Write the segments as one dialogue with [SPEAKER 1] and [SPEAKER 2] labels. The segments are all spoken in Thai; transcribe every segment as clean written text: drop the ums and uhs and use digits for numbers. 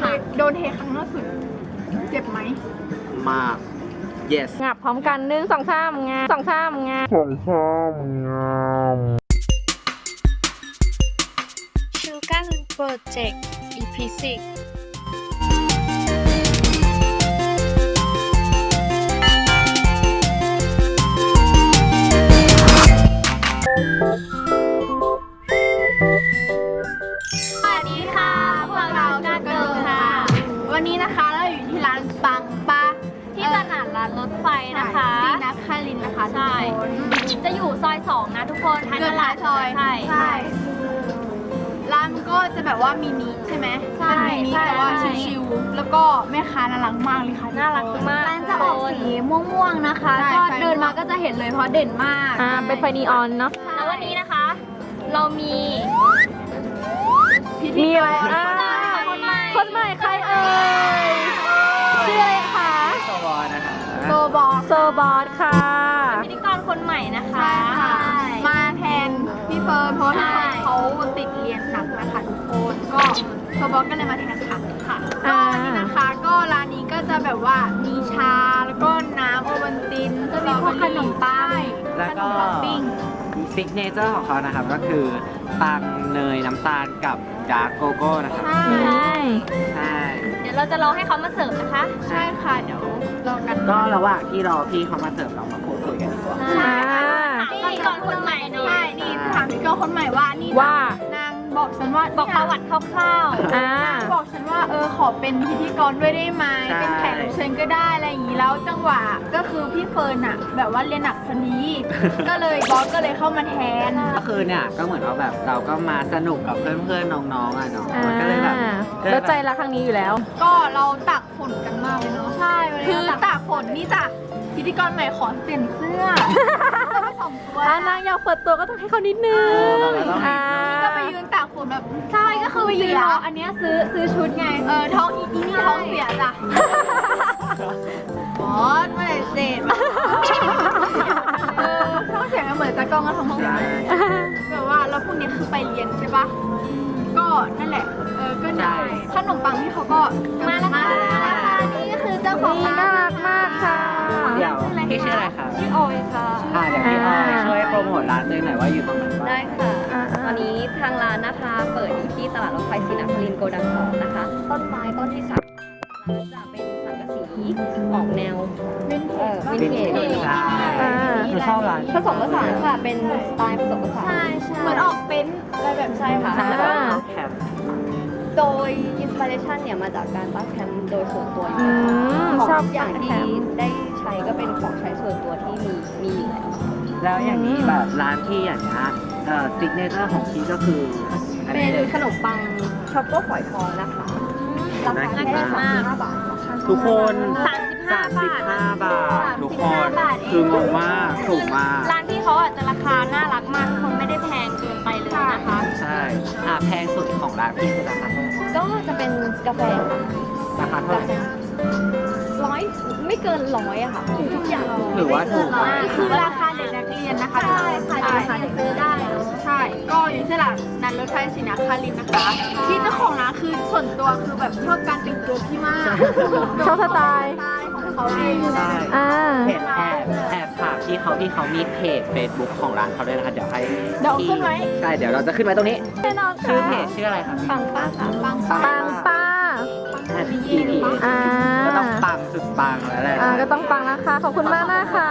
[SPEAKER 1] โดนเทครั้งล่าสุดเจ็บไหม
[SPEAKER 2] มาก yes
[SPEAKER 3] งับพร้อมกัน1 2 3งา2 3งา
[SPEAKER 4] ชูการ์โปรเจกต์ EP 6
[SPEAKER 1] สวัสดีค่ะพวกเราก็เกิร์ลค่ะ วันนี้นะคะเราอยู่ที่ร้านปังปะ
[SPEAKER 3] ที่ตลาดร้านรถไฟนะคะ
[SPEAKER 1] ซีนักคารินนะคะทุกคน
[SPEAKER 3] จะอยู่ซอย2นะทุกคน
[SPEAKER 1] เกินหลายซอย
[SPEAKER 3] ใช่
[SPEAKER 1] ร้านก็จะแบบว่ามินิใช่ไหม
[SPEAKER 3] ใช่
[SPEAKER 1] เป็นมินิ
[SPEAKER 3] ใช่
[SPEAKER 1] แต่ว่า
[SPEAKER 3] ใช่
[SPEAKER 1] ชิวๆแล้วก็แม่ค้าน่ารักมากเลยค่ะ
[SPEAKER 3] น่ารักมาก
[SPEAKER 1] ร้านจะออกสีม่วงๆนะคะ
[SPEAKER 3] ใช่
[SPEAKER 1] ก็เดินมาก็จะเห็นเลยเพราะเด่นมาก
[SPEAKER 3] เป็นไฟนีออนเนาะแล้ววันนี้นะคะ เรามีอะไรคนใหม่ใครเอ่ยชื่ออะไรคะ
[SPEAKER 2] สวอนะคะ
[SPEAKER 1] โซบอล
[SPEAKER 3] โซบอสค่ะพิธีกรคนใหม่นะคะ
[SPEAKER 1] ใช่ค่ะมาแทนพี่เฟิร์นเพราะว่าเขาติดเรียนหนักนะคะทุกคนก็โซบอลก็เลยมาแทนค่ะก็วันนี้นะคะก็ร้านนี้ก็จะแบบว่ามีชาแล้วก็น้ำโอวัลตินจะมีพวกขนมปัง
[SPEAKER 2] แล้ว
[SPEAKER 1] ขน
[SPEAKER 2] ก็
[SPEAKER 1] มปังปิ้ง
[SPEAKER 2] ซิกเนเจอร์ของเขานะครับก็คือปังเนยน้ำตาลกับดาร์กโกโก้นะครับ
[SPEAKER 1] ใช่
[SPEAKER 2] ใช่
[SPEAKER 3] เดี๋ยวเราจะรอให้เขามาเสิร์ฟนะคะ
[SPEAKER 1] ใช่ค่ะเดี๋ยวรอกัน
[SPEAKER 2] ก็ระหว่างที่รอพี่เขามาเสิร์ฟเรามาพูดคุยกันดีกว่า
[SPEAKER 3] ใช่พิธีกรคนใหม่หน่อ
[SPEAKER 1] ใช่
[SPEAKER 3] ย
[SPEAKER 1] นี่ถามพี่กอคนใหม่ว่านี่
[SPEAKER 3] ว่า
[SPEAKER 1] นางบอกฉันว่า
[SPEAKER 3] บอกประวัติคร่าวๆ
[SPEAKER 1] นางบอกฉันว่าขอเป็นพิธีกรด้วยได้ไหมเป็นแขกรับเชิญก็ได้อะไรอย่างนี้แล้วจังหวะก็คือพี่เฟิร์นอะแบบว่าเรียนหนักคนนี้ ก็เลยบอสก็เลยเข้ามาแทน
[SPEAKER 2] ก็คือเนี่ยก็เหมือนว่าแบบเราก็มาสนุกกับเพื่อนๆน้องๆอ่ะเนาะมันก็เลยแบบ
[SPEAKER 3] แล้วใจรักครั้งนี้อยู่แล้ว
[SPEAKER 1] ก็เราตากฝนกันมากเลยเนาะใช่คือตากฝนนี่จ้ะพิธีกรใหม่ขอเปลี่ยนเสื้อไป2 ตัวน
[SPEAKER 3] างอยากเปิดตัวก็ต้องให้เขานิดนึง
[SPEAKER 1] ก็ไปยืนตากฝนแบบใช่ก็คือไปยืนรออันเนี้ยซื้อชุดไงท้องอีนี่ท้องเสียจ้ะบอสเมื่อไหร่เสร็จท้องเสียเหมือนตากล้องก็ท้องเสียแบบว่าแล้วพรุ่งนี้คือไปเรียนใช่ปะก็นั่นแหละก็ได้ขนมปังที่เขาก็มาแล้วค่ะนี่ก็คือเจ้าของร้าน
[SPEAKER 3] น่ารักมากค่ะ
[SPEAKER 2] เดี๋ยวพี่ชื่ออะไรครับ
[SPEAKER 3] ชื่อออยค่ะ
[SPEAKER 2] เดี๋ยวพี่ออยช่วยโปรโมทร้านตัวเองหน่อยว่าอยู่ตรงไหนบ้าง
[SPEAKER 5] ได้ค่ะ ตอนนี้ทางร้านนะคะเปิดอยู่ที่ตลาดรถไฟศรีนครินทร์โกดัง2นะคะ ต้นไม้ต้นที่3จะเป็นสังกะสีออกแนววินเทจ
[SPEAKER 2] ใช่คือชอบร้าน
[SPEAKER 5] ผสมผสานค่ะ เป็นสไตล์ผสมผสาน
[SPEAKER 1] ใช่เหมือนออกเป็นอะไรแบบ
[SPEAKER 5] ใช่ค่ะ
[SPEAKER 3] อ่า
[SPEAKER 5] แล้วก็
[SPEAKER 2] แคมป์
[SPEAKER 5] โดยอินสปิเรชันเนี่ยมาจากการตั้งแคมป์โดยส่วนตัวอยู่
[SPEAKER 3] อื
[SPEAKER 5] แล้ว
[SPEAKER 3] มชอบ
[SPEAKER 5] ทุกอย่างที่
[SPEAKER 3] แคมป์
[SPEAKER 5] ได้ใช้ก็เป็นของใช้ส่วนตัวที่มีอยู่แล้ว
[SPEAKER 2] แล้วอย่างนี้แบบร้านที่อย่างนี้ซิกเนเจอร์ของพี่ก็คืออัน
[SPEAKER 5] เป็
[SPEAKER 2] นี้
[SPEAKER 5] น
[SPEAKER 2] เลย
[SPEAKER 5] ขนมปังช็อกโกฝอยทองนะคะราคาแค่35 บาท
[SPEAKER 2] ทุกคน
[SPEAKER 3] 35 บาท
[SPEAKER 2] ทุกคนคืองงมากถูกมาก
[SPEAKER 3] ร้านที่เขาอาจจะราคาน่ารักมากทุกคนไม่ได้แพงเกินไปเลยนะคะ
[SPEAKER 2] ใช่แพงสุดของร้านพี่คือราคาเท่าไหร่
[SPEAKER 5] ก็จะเป็นกาแฟค่ะ
[SPEAKER 2] ราคาเท่าไหร่
[SPEAKER 5] 100ไม่เกิน100อะค่ะทุกอย่าง
[SPEAKER 2] ถือว่าถูกมาก
[SPEAKER 1] คือราคาเด็กนักเรียนนะคะ
[SPEAKER 5] ใช่ค่ะราคาเด็กซื้อได้เนอะ
[SPEAKER 1] ใช่ ก็อยู่ที่ตลาดนัดรถไฟศรีนครินทร์นะคะ ที่เจ้าของร้านคือส่วนตัวคือแบบชอบการแต่งตัวพี่มาก
[SPEAKER 3] ชอบสไตล์
[SPEAKER 1] ของเขาเอง
[SPEAKER 2] ใช่
[SPEAKER 3] อ่า
[SPEAKER 2] เพจแอบฝากพี่เขามีเพจ Facebook ของร้านเขาด้วยนะคะเดี๋ยวให้
[SPEAKER 1] เดี๋ยวขึ้นไว้
[SPEAKER 2] ใช่เดี๋ยวเราจะขึ้นไว้ตรงนี้
[SPEAKER 3] แน่นอน
[SPEAKER 2] ชื่อ
[SPEAKER 3] ค่ะ
[SPEAKER 2] เพจชื่ออะไรครับ
[SPEAKER 5] ปังป้าค่ะ
[SPEAKER 1] ปัง
[SPEAKER 3] ปังป้า
[SPEAKER 2] PPA ก็ต้องปังสุดปังแล้วแหละ
[SPEAKER 3] ก็ต้องปังนะคะ ขอบคุณมากนะคะ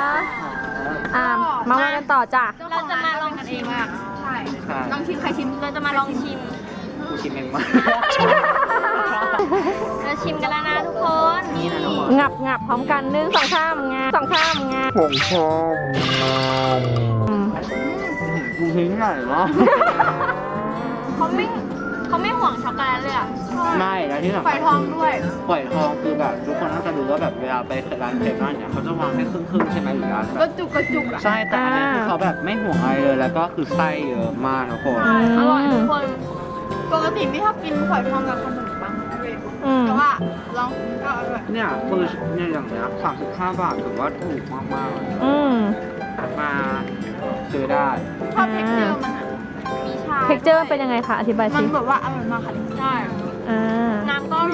[SPEAKER 3] มาว่ากันต่อจ้ะ
[SPEAKER 1] เราจะมาลองกันเองมากใช่ลองชิมใครชิม
[SPEAKER 3] เราจะมาลองชิม
[SPEAKER 2] กูชิมเองมา
[SPEAKER 3] เราชิมกันแล้วนะทุกคน
[SPEAKER 2] นี่นะน้องหมอ
[SPEAKER 3] งับพร้อมกัน1 2 3งา2 3งา
[SPEAKER 2] กูทิ้งหน่อยวะ
[SPEAKER 3] เขาไม่ห่วงช็อกโกแลตเลยอ่ะ
[SPEAKER 2] ไม่แล้วที่สำ
[SPEAKER 1] ไฟ
[SPEAKER 2] คัญ
[SPEAKER 1] ทองด้วย
[SPEAKER 2] ปล่อยทองคือแบบทุกคนน่าจะรู้ว่าแบบเวลาไปร้านเครปนั่นเนี่ยเขาจะวางให้ครึ่งๆใช่ไหมหรือร้านแบ
[SPEAKER 1] ก็
[SPEAKER 2] บ
[SPEAKER 1] จุกอ่ะ
[SPEAKER 2] ใช่แต่อันนี้คือเขาแบบไม่ห่วงอะไรเลยแล้วก็คือไส้เยอะมากทุกคน
[SPEAKER 1] อร่อยทุกคน ปกติไม่ชอบกินฝอยทองกับขนมปังเลยแต่ว่าลองก็อร่อย
[SPEAKER 2] เนี่ยคือเนี่ยอย่างเงี้ย35 บาทถือว่าถูกมากๆเลย มาซื้อได้
[SPEAKER 1] ชอบเท็กเจอร์มันมีชา
[SPEAKER 3] เท็กเจอร์เป็นยังไงคะ อธิบาย
[SPEAKER 1] มั
[SPEAKER 3] สิ
[SPEAKER 1] นแบบว่าอร่อยมากค่ะใช่
[SPEAKER 3] น้ำก็อ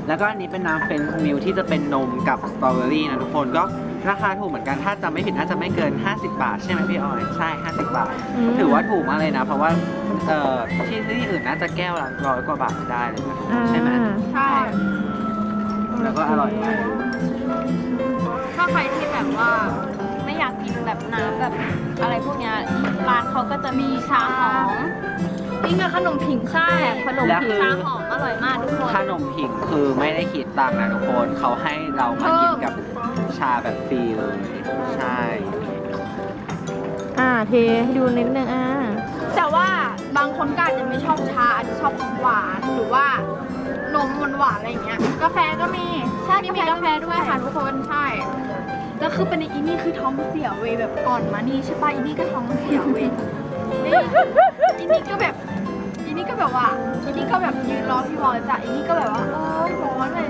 [SPEAKER 2] แล้วก็อันนี้เป็นน้ำเฟรนช์มิลที่จะเป็นนมกับสตรอเบอรี่นะทุกคนก็ราคาถูกเหมือนกันถ้าจำไม่ผิดน่าจะไม่เกิน 50 บาทใช่ไหมพี่ออยใช่ 50 บาท ถือว่าถูกมากเลยนะ เพราะว่าที่อื่นน่าจะแก้วละ100 กว่าบาทได้เลยนะใช่ไหม
[SPEAKER 1] ใช่
[SPEAKER 2] แล้วก็อร่อยมาก
[SPEAKER 5] ถ้าใครที่แบบว่าไม่อยากกินแบบน้ำแบบอะไรพวกเนี้ยร้านเขาก็จะมีชาหอม
[SPEAKER 1] นี่คือขนมผิง
[SPEAKER 5] ใช่ขนมผิงชาหอมอร่อยมากทุกคน
[SPEAKER 2] ขนมผิงคือไม่ได้คิดตังค์นะทุกคนเขาให้เรามากินกับชาแบบฟรีเลยใช่
[SPEAKER 3] เทให้ดูนิดนึง
[SPEAKER 1] แต่ว่าบางคนก็อาจจะไม่ชอบชาอาจจะชอบของหวานหรือว่านมหวานๆอะไรอย่างเงี้ยกาแฟก็มีใช่มีกาแฟด้วยค่ะทุกคนใช่แล้วคือเป็นอีนี่คือท้องเสียเว้ยแบบก่อนมานี่ใช่ป่ะอีนี่ก็ท้องเสียเว้ยนี่อีนี่ก็แบบอีนี่ก็แบบว่าอีนี่ก็แบบยืนรอพี่บอลจ้ะอีนี่ก็แบบว่าร้อนเลย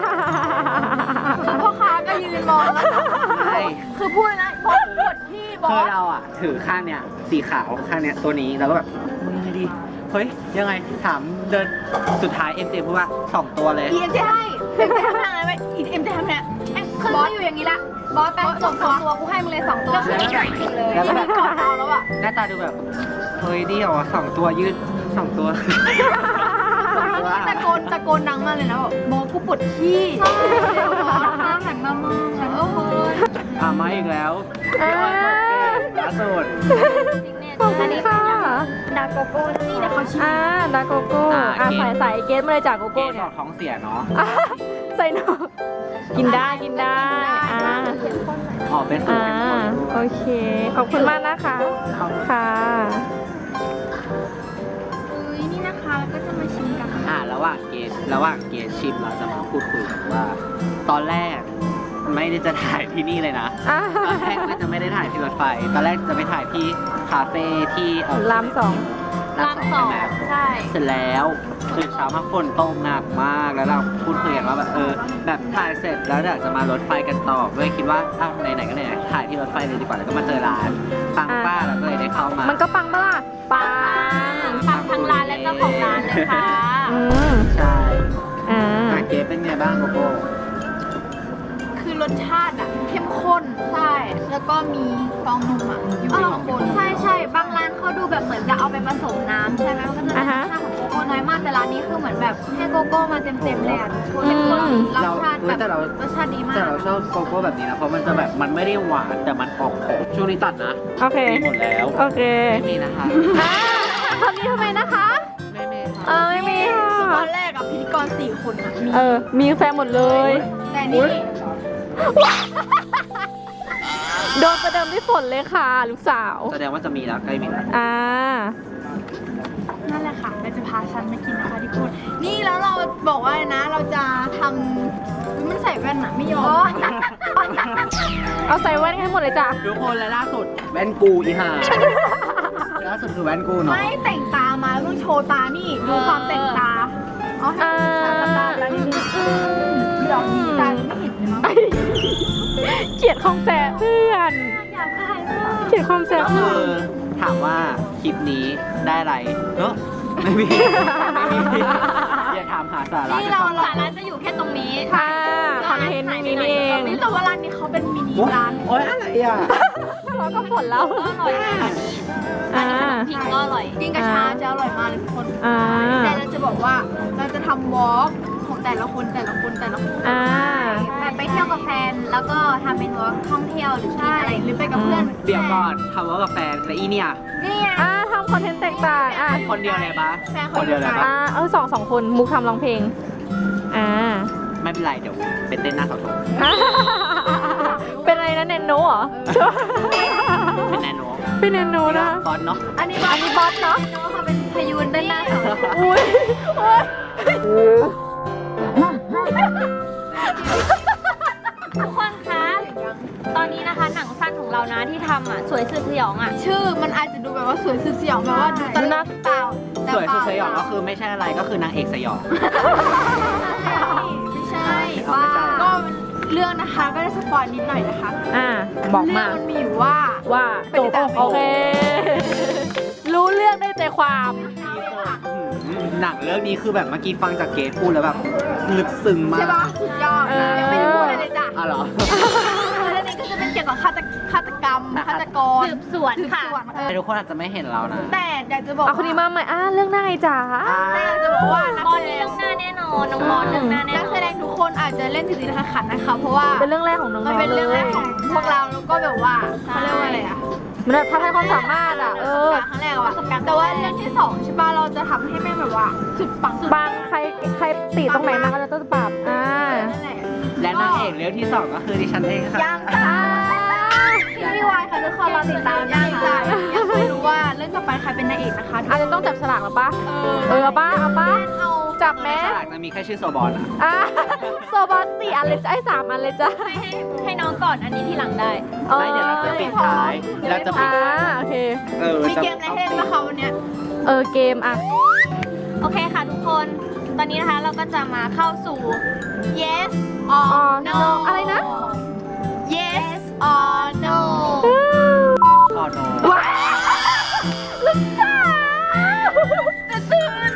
[SPEAKER 1] พ่อค้าก็ยืนรอแล้ว
[SPEAKER 2] ใช่
[SPEAKER 1] คือพูดเลยนะบอสปวดที่บอ
[SPEAKER 2] คือ
[SPEAKER 1] ส
[SPEAKER 2] เราอ่ะถือข้างเนี้ยสีขาวข้างเนี้ยตัวนี้แล้วก็แบบยังไงดีเฮ้ยยังไงถามเดินสุดท้ายเอ็มเจพูดว่า2 ตัวเลย
[SPEAKER 1] เอ็มจะให้เอ็มจะทำอะไรไหมเอ็มจะทำเนี่ยคือบอสอยู่อย่างนี้ละบอสแป๊บ2 ตัวกูให้มึงเลย2 ตัวแล้วคือแบบกินเลย
[SPEAKER 2] แล้วก็แบบ
[SPEAKER 1] กอดเราแล้วอ่ะ
[SPEAKER 2] หน้าตาดูแบบเฮ้ยเดียวอ่ะ2 ตัวยืด2 ตัว
[SPEAKER 1] ตะโกนดังมากเลยนะบอกบอสกูปวดขี้บอสข้าหันมามองแบบ
[SPEAKER 2] มาอีกแล้วล่าสุด
[SPEAKER 3] ขอบคุณค่ะ
[SPEAKER 5] ดาโกโก้นี่
[SPEAKER 1] เดี๋ยวเขาชิม
[SPEAKER 3] ดาโกโก้ใส่เกสมาเลยจากโก
[SPEAKER 2] เก
[SPEAKER 3] โก้
[SPEAKER 2] บ
[SPEAKER 3] เนี่
[SPEAKER 2] อย อกท้องเสียเนาะ
[SPEAKER 3] ใส่หนูกินได้
[SPEAKER 2] ออกเป็นสูตรเป็นคน
[SPEAKER 3] โอเคขอบคุณมากนะคะค่ะ
[SPEAKER 1] นี่นะคะแล้วก็จะมาชิมกัน
[SPEAKER 2] ระหว่างเกสชิมเราจะมาพูดคุยกันว่า ตอนแรกไม่ได้จะถ่ายที่นี่เลยนะตอนแรกก็จะไม่ได้ถ่ายที่รถไฟตอนแรกจะไปถ่ายที่คาเฟ่ที่
[SPEAKER 3] ราม 2
[SPEAKER 2] ราม 2ใช่ไหม
[SPEAKER 1] ใช่
[SPEAKER 2] เสร็จแล้วตื่นเช้ามาฝนตกหนักมากแล้วเราพูดคุยกันว่าแบบแบบถ่ายเสร็จแล้วเดี๋ยวจะมารถไฟกันต่อด้วยคิดว่าไหนๆก็ไหนๆถ่ายที่รถไฟเลยดีกว่าแล้วก็มาเจอร้านปังป้าเราก็เลยได้เข้ามา
[SPEAKER 3] มันก็ปังปะล่ะปัง
[SPEAKER 5] ทั้งร้านและเจ้าของร้านเลยค่ะ
[SPEAKER 2] ใช่
[SPEAKER 3] เ
[SPEAKER 2] เกสเป็นไงบ้างโกโก้
[SPEAKER 1] คือรสชาติอ่ะเข้มข้นใช่แล้วก็มีฟองนมอ่ะอยู่ในคน
[SPEAKER 5] ใช่บางร้านเขาดูแบบเหมือนจะเอาไปผสมน้ำใช่ไหมมันก็จะได้รสชาติของโกโก้น้อยมากแต่ร้านนี้คือเหมือนแบบให้โกโก้มาเต็มเลยอ่ะทุกคนรสชาติแบบรสชาติดีมาก
[SPEAKER 2] แต่เราชอบโกโก้แบบนี้นะเพราะมันจะแบบมันไม่ได้หวานแต่มันออกขมช่วงนี้ตัดนะ
[SPEAKER 3] โอเค
[SPEAKER 2] มีหมดแล้ว
[SPEAKER 3] โอเค
[SPEAKER 2] ไม่มีนะคะ
[SPEAKER 3] คำนี้ทำไมนะคะ
[SPEAKER 2] ไม่มีค่ะ
[SPEAKER 3] ไม่มี
[SPEAKER 1] คือต
[SPEAKER 3] ค่ะ
[SPEAKER 1] อนแรกอ่ะพิธีกร4 คนอ่ะมี
[SPEAKER 3] มีแฟนหมดเลย
[SPEAKER 1] แต่นี่
[SPEAKER 3] โดนประเดิมด้วยฝนเลยค่ะ ลูกสาว
[SPEAKER 2] แสดงว่าจะมีแล้วใกล้มีแล้ว
[SPEAKER 1] นั่นแหละค่ะเราจะพาฉันมากินนะคะทุกคนนี่แล้วเราบอกว่าอะไรนะเราจะทำมันใส่แว่นอ่ะไม่ยอม
[SPEAKER 3] เอาใส่แว่นให้หมดเลยจ้ะ
[SPEAKER 2] ทุกคนและล่าสุดแว่นกูอีห่าล่าสุดคือแว่นกูเนาะ
[SPEAKER 1] ไม่แต่งตามาแล้วต้องโชว์ตานี่ดูความแต่งตาเอาให้ตาแล้วนี่ดอกนี้ตาไม่เห็นเลยมั้ง
[SPEAKER 3] เกลียดความแสบเพื่อน
[SPEAKER 1] อยากถ่ายมาก
[SPEAKER 3] เกลียดความแสบ
[SPEAKER 2] ก็คือถามว่าคลิปนี้ได้อะไรไม่มีอย่าถามหาสาระ
[SPEAKER 1] นี่เรา
[SPEAKER 5] สาระจะอยู่แค่ตรงนี้
[SPEAKER 3] คอนเทนต์นี้นี่เอง
[SPEAKER 1] นี่แต่ว่าร้านนี้เขาเป็นมินิร้าน
[SPEAKER 2] โอ๊ยอะไรอ่ะ
[SPEAKER 3] เราก็ฝนแล้ว
[SPEAKER 5] ก็อร่อยนะอันนี้ขนมพิงก็อร่อย
[SPEAKER 1] กินกระชาจะอร่อยมากเลยทุกคน
[SPEAKER 3] อ่า
[SPEAKER 1] แต่เราจะบอกว่าเราจะทำวอล์กของแต่ละคน
[SPEAKER 5] แบบไปเที่ยวกับแฟนแล้วก็ทำเป็นวอล์กท่องเที่ยวหรือกินอะไร
[SPEAKER 1] หรือไปกับเพื่อน
[SPEAKER 2] เดี๋ยวก่อนทำว่ากับแฟนและอีเนี่ย
[SPEAKER 1] นี่ไง
[SPEAKER 3] ทำคอนเทนต์แตกต่าง
[SPEAKER 2] คนเดียวเลยปะ
[SPEAKER 1] แฟน
[SPEAKER 2] คนเดียวเลยปะ
[SPEAKER 3] สองคนมุกทำร้องเพลง
[SPEAKER 2] ไม่เป็นไรเดี๋ยวเป็นเต้นหน้าเสาธง
[SPEAKER 3] เป็นอะไรนะเนนโนเหรอ
[SPEAKER 2] เป็นแนโน
[SPEAKER 3] เป็นเนนโนนะ
[SPEAKER 2] บอลเนาะ
[SPEAKER 1] อันนี้
[SPEAKER 3] บอสเนาะ
[SPEAKER 1] เขาเป็นพยูนด้านหน้าเขา
[SPEAKER 3] อุ้ย
[SPEAKER 5] ทุกคนคะตอนนี้นะคะหนังสั้นของเรานะที่ทำสวยสุดสยอง
[SPEAKER 1] ชื่อมันอาจจะดูแบบว่าสวยสุดสยองแบบว่าดูตลกเปล่า
[SPEAKER 2] สวยสุดสยองก็คือไม่ใช่อะไรก็คือนางเอกสยอง
[SPEAKER 1] ไม่ใช่ว่าก็เรื่องนะคะก็ได้สปอยนิดหน่อยนะคะ
[SPEAKER 3] บอกมา
[SPEAKER 1] เรื่องมันมีอยู่ว่า
[SPEAKER 3] จบโอเค รู้เรื่องได้ใจความ
[SPEAKER 2] หนังเรื่องนี้คือแบบเมื่อกี้ฟังจากเกรทพูดแล้วแบบลึกซึ้งมาก
[SPEAKER 1] ใช่ปะสุดยอดยังไม่ได้พูดอะไรเลยจ้ะ
[SPEAKER 2] อ๋อเหรอ
[SPEAKER 1] เรื่องนี้ก็จะเป็นเกี่ยวกับฆาตกรรมฆาตกร
[SPEAKER 5] สืบสวนค่ะ
[SPEAKER 2] ทุกคนอาจจะไม่เห็นเรานะ
[SPEAKER 1] แต่อยากจะบอก
[SPEAKER 3] เอาคนนี้มาใหม่เรื่องหน้าไงจ๋า
[SPEAKER 1] แต่อยากจะบอกว่านัก
[SPEAKER 5] บอล
[SPEAKER 1] แสด
[SPEAKER 5] นี่
[SPEAKER 1] ง
[SPEAKER 5] เรื่องหน้าแน่นอนน้องบอลเรื่องหน้าแน่น
[SPEAKER 1] นัก
[SPEAKER 5] อ
[SPEAKER 1] แส
[SPEAKER 5] น
[SPEAKER 1] ดงทุกคนอาจจะเล่นผิดๆขันๆนะคะ เพราะว่า
[SPEAKER 3] เป็นเรื่องแรกของน้องๆ
[SPEAKER 1] มันเป็นเรื่องแรกของพวกเราแล้วก็แบบว่าเขาเรียกว่าอะไรอะ
[SPEAKER 3] มันแบบท้าทายความสามารถอ่ะ
[SPEAKER 1] ครั้งแรกอะแต่ว่าเรื่องที่สองใช่ป่ะเราจะทำให้แม่งแบบว่าสุดปัง
[SPEAKER 3] บางใครติตรงไหนมาก็จะต้องปรับ
[SPEAKER 1] นั่นแหละ
[SPEAKER 2] และนางเอกเรื่องที่ 2 ก็คือดิฉันเองค่ะ
[SPEAKER 1] ยังจ้าพี่วายค่ะทุกคนเราติดตามยังจ้ายังไม่รู้ว่าเรื่องต่อไปใครเป็นนางเอกนะคะ
[SPEAKER 3] อาจจะต้องจับฉลากหรอปะเอาป้า
[SPEAKER 1] เอา
[SPEAKER 3] จับแม่
[SPEAKER 2] ฉลากจะมีแค่ชื่อโซบอลอ่ะ
[SPEAKER 3] โซบอล4 อันเลยจ้ะ3 อันเลยจ้ะ
[SPEAKER 5] ให้น้องก่อนอันนี้ที่หลังได้
[SPEAKER 2] ไม่เดี๋ยวเราจะปิดท้ายเราจะปิดท้าย
[SPEAKER 3] โอเค
[SPEAKER 1] มีเกมอะไรให้เล่นบ้างคะวันเนี้ย
[SPEAKER 3] เกมอ่ะ
[SPEAKER 5] โอเคค่ะทุกคน ตอนนี้นะคะเราก็จะมาเข้าสู่
[SPEAKER 1] yes or no
[SPEAKER 3] อะไรนะ
[SPEAKER 1] yes or no
[SPEAKER 2] พอโน
[SPEAKER 3] ว้าวลูกสาวจะตื่น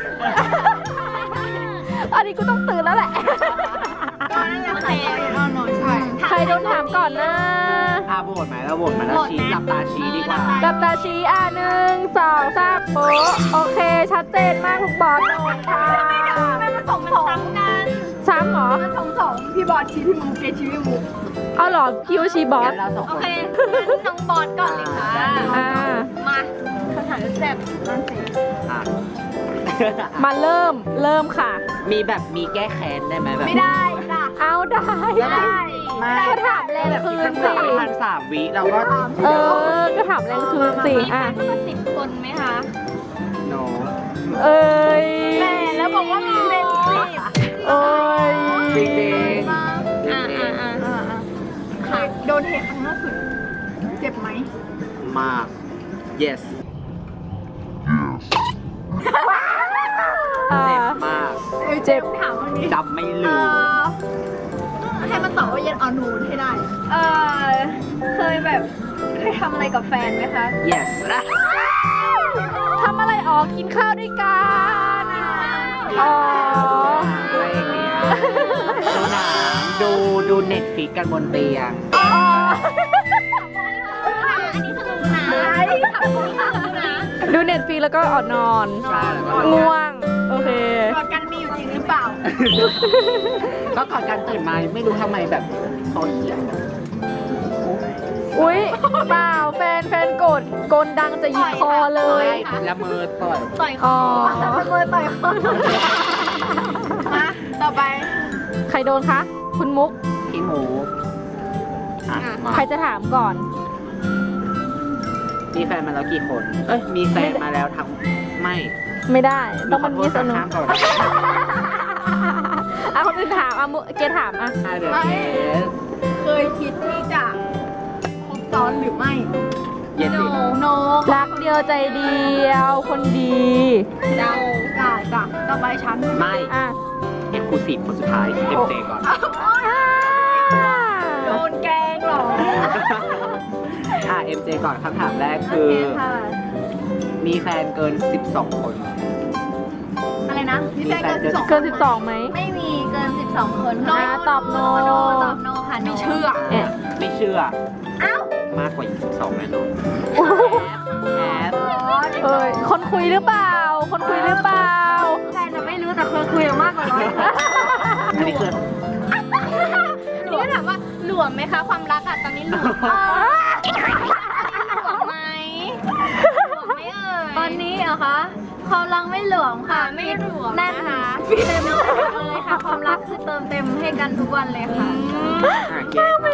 [SPEAKER 3] อันนี้กูต้องตื่นแล้วแหละ
[SPEAKER 1] ก็นั่นแหละค่ะ yes or no ใช่
[SPEAKER 3] ใครโดนถามก่อนนะ
[SPEAKER 2] โหวตไหมเราโหวตไหมเราชี้หลับตาชี้ดีกว่า
[SPEAKER 3] กับตาชี้1 2 3โป๊ะโอเค ชัดเจนมากลูกบอลโดนค่ะ
[SPEAKER 1] ไม่มาส่งกัน
[SPEAKER 3] ซ้ำเหรอ
[SPEAKER 1] มันส่งพี่บอลชี้พี่มูเกชี้พี่มู
[SPEAKER 3] เอาเหรอคิวชีบอส
[SPEAKER 2] งั้นเราสอง
[SPEAKER 5] โอ
[SPEAKER 2] คน
[SPEAKER 5] เคน้องบอลก่อนเลยค่ะ มาคำถามแซ่บนั่นสิ
[SPEAKER 2] อ่ะ
[SPEAKER 3] มาเริ่มค่ะ
[SPEAKER 2] มีแบบมีแก้แค้นได้ไหมแบบ
[SPEAKER 1] ไม่ได้จ้ะ
[SPEAKER 3] เอาได้
[SPEAKER 2] ไม่
[SPEAKER 3] ก็ถามแรงคืนสิ
[SPEAKER 2] พันสามวิเราก็
[SPEAKER 3] ก็ถามแรงคืนสิ
[SPEAKER 5] มีแฟนมากกว่า10 คนไหมคะ
[SPEAKER 2] โน
[SPEAKER 3] เอ้ย
[SPEAKER 1] แม่แล้วบอกว่ามีเป็นสิบ
[SPEAKER 3] เอ้ย
[SPEAKER 2] จริงจริง
[SPEAKER 1] ค่ะโดนเทครั้งล่าสุดเจ็บไหม
[SPEAKER 2] มาก yes เจ็บมาก
[SPEAKER 3] เจ็บ
[SPEAKER 1] ถามวันนี้
[SPEAKER 2] จำไม่ลืม
[SPEAKER 1] ให้มันตอบว่าเย็นเอานูนให้ได้ เคยทำอะไรกับแฟนไหมคะ
[SPEAKER 2] yes
[SPEAKER 3] ทำอะไรกินข้าวด้วยกันอ๋อ
[SPEAKER 2] อะไรอย่างเงี้ยดูหนังดูเน็ตฟลิกกันบนเตียง
[SPEAKER 5] อันนี้คือรู้นะถามคนที่รู้นะ
[SPEAKER 3] ดูเน็ตฟรีแล้วก็นอน
[SPEAKER 2] ใช่แล้วก็
[SPEAKER 3] ง่วง โอเค
[SPEAKER 1] กอดกันมีอยู่จริงหรือเปล่า
[SPEAKER 2] ก็ก่อนการตื่นมาไม่รู้ทำไมแบบเขาเขียน
[SPEAKER 3] อุ๊ยเปล่าแฟนโกรธโกนดังจะหยิกคอเลย
[SPEAKER 2] ละเมอต่อย
[SPEAKER 5] ต่อยค
[SPEAKER 3] อ๋
[SPEAKER 5] อ
[SPEAKER 3] อ
[SPEAKER 1] แต่เป็นคนต่อยคนมาต่อไป
[SPEAKER 3] ใครโดนคะ คุณมุก
[SPEAKER 2] พี่หมูอ่ะมา
[SPEAKER 3] ใครจะถามก่อน
[SPEAKER 2] มีแฟนมาแล้วกี่คน เอ้ย มีแฟนมาแล้วทั้งไม่
[SPEAKER 3] ไม่ได้ ต้องมันมีสนุก
[SPEAKER 2] ข้ามก่อน
[SPEAKER 3] คนอื่นถามเกถามอ่ะ
[SPEAKER 2] เดี๋ยวเกส
[SPEAKER 1] เคยคิดที่จะคบซ้อนหรือไม่
[SPEAKER 2] เย็นดิ
[SPEAKER 1] โน
[SPEAKER 3] รักเดียวใจเดียว คนดี
[SPEAKER 1] เดาได้จ้ะต่อไปฉัน
[SPEAKER 2] ไม่
[SPEAKER 3] อ่ะ
[SPEAKER 2] เอ็กซ์คลูซีฟคนสุดท้ายเอ็มเจก่อน
[SPEAKER 1] โดนแกล้งเหรอ
[SPEAKER 2] เอ็มเจก่อนคำถามแรกคือ มีแฟนเกิน 12 คน
[SPEAKER 1] อะไรนะมีแฟนเกิน
[SPEAKER 3] เกิน 12ไหม
[SPEAKER 5] ไม่มีเกิน 12 คน
[SPEAKER 3] ตอบโน
[SPEAKER 5] ตอบโนค่ะ
[SPEAKER 1] ไม่เชื่อ
[SPEAKER 3] เอ๊ะ
[SPEAKER 2] ไม่เชื่อ มากกว่า 22แน่นอนแอบ
[SPEAKER 3] เอ้ยคนคุยหรือเปล่า คนคุยหรือเปล่า
[SPEAKER 1] แฟนจะไม่รู้แต่เคยคุยมากกว่าร้อย
[SPEAKER 2] อันนี้คือ
[SPEAKER 5] นี่ก็ถามว่าหลวมไหมคะความรักตอนนี้หลวมหลวมไหมหลวมไหมเอ่ย
[SPEAKER 1] ตอนนี้เหรอคะความรักไม่หลวมค่ะ
[SPEAKER 5] ไม่หลวม
[SPEAKER 1] แน่น
[SPEAKER 5] นะคะ
[SPEAKER 1] เต็มเลยค่ะ ความรักคือเติมเต็มให้กันทุกวันเลยค่ะ
[SPEAKER 2] เกส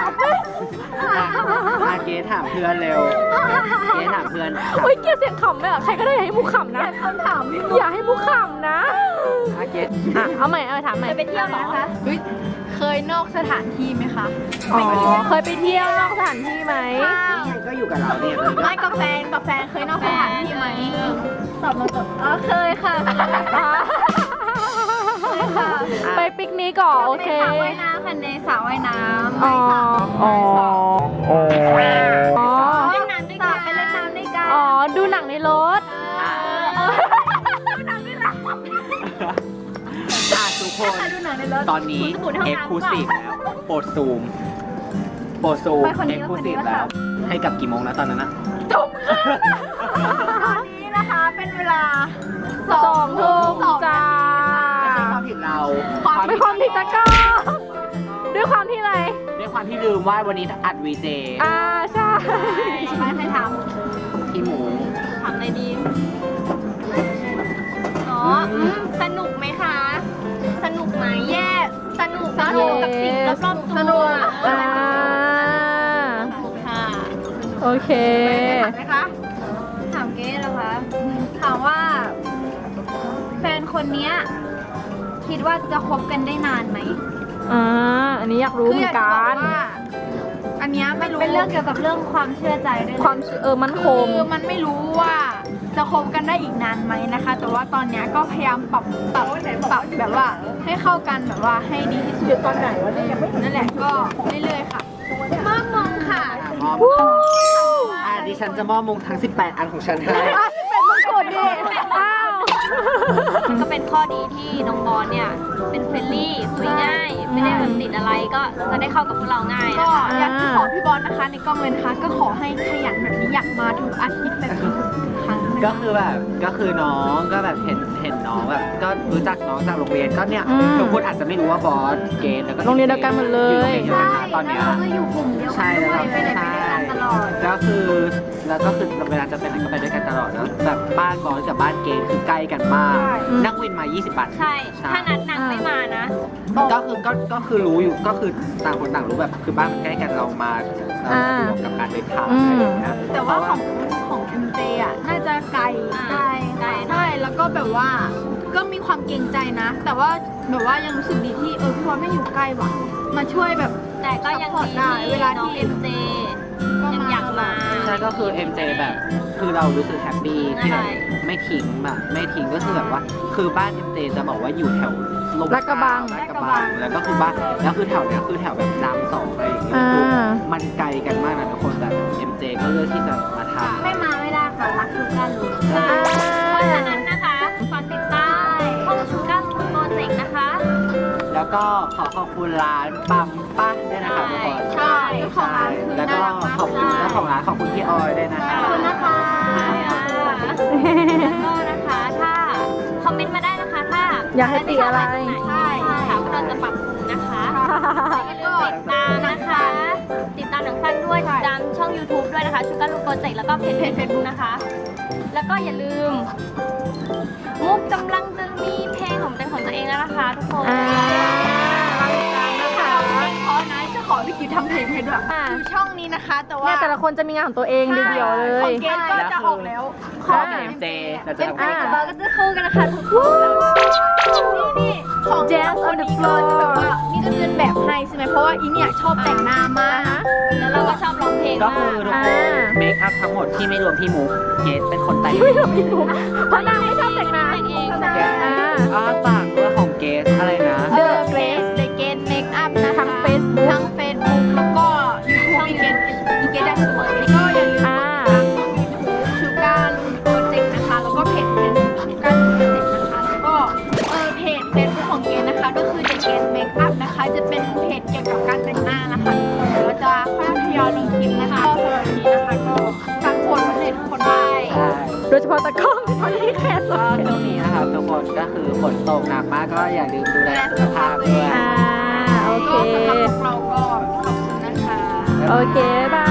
[SPEAKER 2] เกสถามเพื่อนเร็ว เกสถามเพื่อน
[SPEAKER 3] อุ้ยเกลียดเสียงขำเลยอ่ะ ใครก็ได้อย่าให้มุกขำนะ
[SPEAKER 1] คำถามพี่
[SPEAKER 3] อย่าให้มุกขำนะ
[SPEAKER 2] เกส
[SPEAKER 3] เอาใหม่ถามใหม่
[SPEAKER 5] ไปเที่ยวเหรอคะ
[SPEAKER 1] เคยนอกสถานที่ไหมคะ
[SPEAKER 3] อ๋อ เคยไปเที่ยวนอกสถานที่ไหม
[SPEAKER 2] ก็อยู่กับเราเนี่ยเลย
[SPEAKER 1] ไม่กับแฟนเคยนอกสถานที่ไหมตอบมาตอบเคยค่ะ
[SPEAKER 3] ไปปิกนิกก่อนโอเค
[SPEAKER 1] สระว่ายน้ำค่ะในสระว่ายน้ำ
[SPEAKER 3] อ๋อ อ๋อ อ๋อ
[SPEAKER 1] เล่นน้ำด้วยกันไปเล่นน้ำด้วยกัน
[SPEAKER 3] อ๋อ ดูหนังในรถ
[SPEAKER 2] ซูกคนตอนนี้เอ็กซ์คลูซีฟแล้วโปรดซูมเอ็กซ์คลูซีฟแล้วให้กับกี่โมงนะตอนนั้นนะ
[SPEAKER 1] ตอนนี้นะคะเป็นเวลา
[SPEAKER 3] 2 ทุ่มจ้า
[SPEAKER 2] ไม่ใช่ความผิดเรา
[SPEAKER 3] ไม่ความผิดตะก้อด้วยความที่อะไร
[SPEAKER 2] ด้วยความที่ลืมว่าวันนี้อัดวีเจ
[SPEAKER 3] ใช่
[SPEAKER 1] ไม่ใครถาม
[SPEAKER 2] พี่หมู
[SPEAKER 5] ถามอะไรดี อ๋อสนุกไหมคะ สนุกไหมแย่สนุกกับสิ่งรอบๆตัวค่ะ
[SPEAKER 3] โอเค
[SPEAKER 1] ถามไหมคะ
[SPEAKER 5] ถามเก๊แล้วคะ ถามว่า แฟนคนเนี้ยคิดว่าจะคบกันได้นานไหม
[SPEAKER 3] อันนี้อยากรู้เหมือนกัน
[SPEAKER 1] อันเนี้ยไม่รู้
[SPEAKER 5] เป็นเรื่องเกี่ยวกับเรื่องความเชื่อใจด้วยนะ
[SPEAKER 3] ความมั่นคง
[SPEAKER 1] คือมันไม่รู้ว่าจะคบกันได้อีกนานไหมนะคะ แต่ว่าตอนเนี้ยก็พยายามปรับแบบว่าให้เข้ากันแบบว่าให้ดีที่สุดตอนไหนวะเนี่ยยังไม่นั่นแหละก็เรื่อยๆค่ะมอบมงค่ะ
[SPEAKER 2] มอบดิฉันจะมอบมงทั้ง 18 อันของฉันให้
[SPEAKER 3] เป็นมงกุฎดิอ้าว
[SPEAKER 5] มันก็เป็นข้อดีที่น้องบอลเนี่ย เป็นเฟรนลี่คุยง่าย ไม่ได้แบบติดอะไรก็จะได้เข้ากับพวกเราง่าย
[SPEAKER 1] ก็
[SPEAKER 5] นะคะ
[SPEAKER 1] อยากจะขอพี่บอลนะคะในกล้องเลยนะคะก็ขอให้ขยันแบบนี้อยากมาทุกอาทิตย์แบบนี้ทุกครั้งนะ
[SPEAKER 2] ก็
[SPEAKER 1] คะ
[SPEAKER 2] คือแบบก็คือน้องก็แบบเห็นน้องแบบก็รู้จักน้องจากโรงเรียนก็เนี่ยทุกคนอาจจะไม่รู้ว่าบอสเกณฑ์แล้วก็
[SPEAKER 3] โรงเรียนเดียวกันหมดเลย
[SPEAKER 2] อยู่โรงเรียนเดียวกันนะตอนเนี้ย
[SPEAKER 5] แล้วเราก็อยู่กลุ่มเดียวกั
[SPEAKER 2] ใช่
[SPEAKER 5] น
[SPEAKER 2] แล้ว
[SPEAKER 5] ด้วยไปไหนไปด้วยกันตลอด
[SPEAKER 2] ก็คือเวลาจะไปไหนก็ไปด้วยกันตลอดแล้วแบบบ้านบอสกับบ้านเกณฑ์คือใกล้กันมากนั่งวินมา 20 บาท
[SPEAKER 5] ใช่ ถ้านัดนางไม่มานะ
[SPEAKER 2] ก็คือรู้อยู่ก็คือต่างคนต่างรู้แบบคือบ้านมันใกล้กันเรามาสะดวกกับการเดินทางอะไรอย่างเงี้ย
[SPEAKER 1] แต่ว่าของ MJ อ่ะน่าจะไกล
[SPEAKER 5] ไกล
[SPEAKER 1] ใช่แล้วก็แบบว่าก็มีความเกรงใจนะ แต่ว่าแบบว่ายังรู้สึกดีที่พี่บอลไม่อยู่ใกล้ว่ะมาช่วยแบบ
[SPEAKER 5] แต่ก็ยังดี
[SPEAKER 1] ได้
[SPEAKER 5] ที่
[SPEAKER 1] เวลา
[SPEAKER 5] น้อง
[SPEAKER 1] ที่
[SPEAKER 5] เอ็มเจยังอยากมา
[SPEAKER 2] ใช่ก็คือ MJ แบบคือเรารู้สึกแฮปปี้ที่แบบไม่ทิ้งแบบไม่ทิ้งก็คือแบบว่าคือบ้าน MJ จะบอกว่าอยู่แถวลม
[SPEAKER 3] ลาดกระบัง
[SPEAKER 2] ลาดกระบังแล้วก็คือบ้านแล้วคือแถวเนี้ยคือแถวแบบรามสองอะไรอย่างเงี้ย
[SPEAKER 3] อ่า
[SPEAKER 2] คือมันไกลกันมากนะทุกคนแบบ MJ ก็เลือกที่จะมาทำ
[SPEAKER 5] ไม่มาไม่ได้ค่ะ รักชูการ์ลูน
[SPEAKER 2] ใช่
[SPEAKER 5] เพราะฉะนั้นนะคะฝากติดตามห้องชูการ์ลูนโปรเจกต์นะคะ
[SPEAKER 2] แล้วก็ขอขอบคุณร้านปั๊มป้าด้วยนะคะทุกคน
[SPEAKER 1] ใช่เจ้าของร้านคือ
[SPEAKER 2] แล้ว
[SPEAKER 1] น่า
[SPEAKER 2] ก็
[SPEAKER 1] รักมาก
[SPEAKER 2] ขอบคุณเจ้าของร้านขอบคุณพี่ออยด้วยนะคะ
[SPEAKER 1] ขอบคุณนะคะ
[SPEAKER 5] แล้วก็นะคะถ้าคอมเมนต์มาได้นะคะถ้า
[SPEAKER 3] อยากให้ติอะไร
[SPEAKER 5] ใช่ค่ะพวกเราจะปรับปรุงนะคะแล้วก็ติดตามนะคะ ติดตามหนังสั้นด้วยติดตามช่อง YouTube ด้วยนะคะชูการ์ลูนโปรเจกต์แล้วก็เพจ Facebook นะคะ แล้วก็อย่าลืม มุกกำลังจะมีเพลงของเป็นของตัวเองแล้วนะคะทุกคน
[SPEAKER 1] ขอนะจะขอพี่กิ๊ฟทำเพลงให้ด้วยคือช่องนี้นะคะ แต่ว่า
[SPEAKER 3] เนี่ยแต่ละคนจะมีงานของตัวเองเดี่ยวๆเล
[SPEAKER 1] ขอย งเกณฑ์ก็จะออกแล้ว
[SPEAKER 2] ขอกับ MJ เราจะทำ
[SPEAKER 5] เป็น
[SPEAKER 2] ให้
[SPEAKER 5] เพลงกับเราก็จะคู่กันนะคะทุกคน
[SPEAKER 1] นี่ของ
[SPEAKER 3] Jazz on the
[SPEAKER 1] นี่ก็จะแบบว่านี่ก็เดินแบบให้ใช่ไหมเพราะว่าอีเนี่ยชอบแต่งหน้ามาก
[SPEAKER 5] แล้วเราก็ชอบร้องเพลง
[SPEAKER 2] ก็
[SPEAKER 5] มา
[SPEAKER 2] คือก ทุกคนเมคอัพทั้งหมดที่ไม่รวมพี่มุกเกสเป็นคนแต่ง
[SPEAKER 3] เพราะนางไม่ชอบแต่งหน้า
[SPEAKER 5] แต่งเอง
[SPEAKER 2] แกฝากด้วยของเกสอะไรนะ
[SPEAKER 1] The Grace The Grace Makeup นะคะ
[SPEAKER 3] ทั้ง Facebook
[SPEAKER 1] ทั้ง Facebook แล้วก็ YouTube อีเกตได้สวยก็อย่าลืม ชูการ์ลูนโปรเจกต์นะคะ แล้วก็เพจเป็นชูการ์ลูนโปรเจกต์นะคะ แล้วก็เพจเฟซบุ๊กของเกณฑ์นะคะ ก็คือ The Gate Makeup นะคะ จะเป็นเพจเกี่ยวกับการแต่งหน้านะคะเดี๋ยวเราจะค่อยๆทยอยลงคลิปนะคะก็สำหรับวันนี้นะคะก็ฝากโปรดไว้เลยทุกคนได้
[SPEAKER 2] ใช่
[SPEAKER 3] โดยเฉพาะตะกล้องตอนนี้แค่ส
[SPEAKER 2] ก็
[SPEAKER 3] ด
[SPEAKER 2] ช่วงนี้นะครับทุกคนก็คือฝนตกหนักมากก็อย่าลืมดูแลสุขภาพด้วย
[SPEAKER 3] โอเค
[SPEAKER 1] ก็สำหรับพวกเราก็ขอบคุณนะคะ
[SPEAKER 3] โอเค บาย